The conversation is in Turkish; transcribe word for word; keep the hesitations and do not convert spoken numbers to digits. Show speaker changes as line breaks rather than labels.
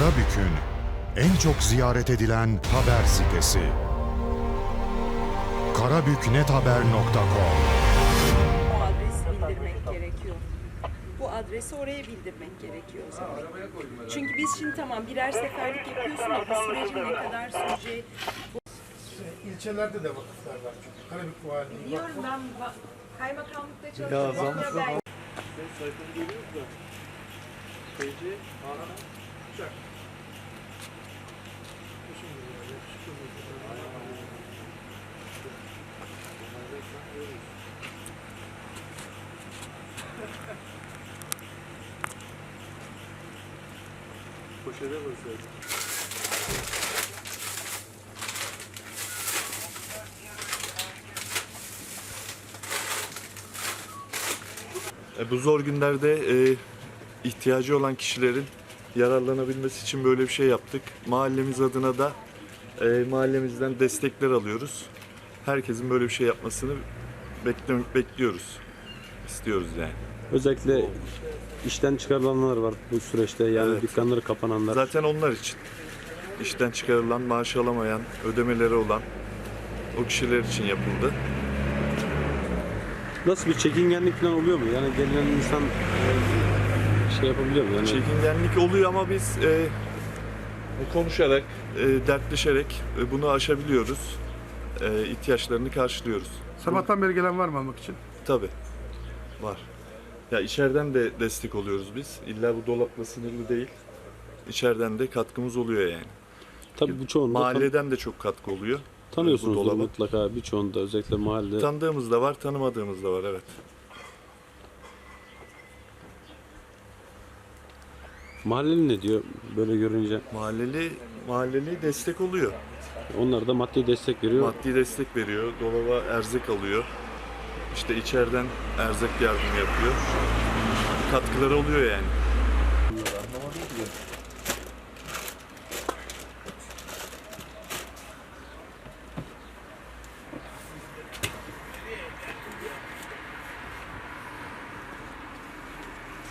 Karabük'ün en çok ziyaret edilen haber sitesi. karabüknethaber nokta com.
O adresi bildirmek gerekiyor. Bu adresi oraya bildirmek gerekiyor o zaman. Çünkü biz şimdi tamam birer seferlik yapıyorsun ama bu sürecin ne kadar süreceği...
İlçelerde de vakıflar var çünkü. Karabük Valiliği.
Biliyorum ben ba- kaymakamlıkta
Ya
çalışıyorum.
zaman
Ya
zaman.
ben-
Sayfanı görüyoruz da. Feci, ana, uçak. Poşete basıyoruz. E, bu zor günlerde e, ihtiyacı olan kişilerin yararlanabilmesi için böyle bir şey yaptık. Mahallemiz adına da e, mahallemizden destekler alıyoruz. Herkesin böyle bir şey yapmasını bekle, bekliyoruz. İstiyoruz yani.
Özellikle işten çıkarılanlar var bu süreçte, yani
Evet.
dükkanları kapananlar.
Zaten onlar için. İşten çıkarılan, maaş alamayan, ödemeleri olan o kişiler için yapıldı.
Nasıl bir çekingenlik falan oluyor mu? Yani gelen insan e, şey yapabiliyor mu? Yani
Çekingenlik oluyor ama biz e, konuşarak, e, dertleşerek e, bunu aşabiliyoruz. E, ihtiyaçlarını karşılıyoruz.
Sabahtan beri gelen var mı almak için?
Tabii. Var. Ya içeriden de destek oluyoruz biz. İlla bu dolapla sınırlı değil. İçeriden de katkımız oluyor yani.
tabii bu çoğunda tan-
Mahalleden de çok katkı oluyor. Bu
tanıyorsunuz
dolaba.
mutlaka, birçoğunda özellikle mahallede.
Tanıdığımız da var, tanımadığımız da var, evet.
Mahalleli ne diyor böyle görünce?
Mahalleli mahalleli destek oluyor.
Onlar da maddi destek veriyor.
Maddi destek veriyor. Dolaba erzak alıyor. İşte içeriden erzak yardımı yapıyor. Katkıları oluyor yani. Anlamadım ki.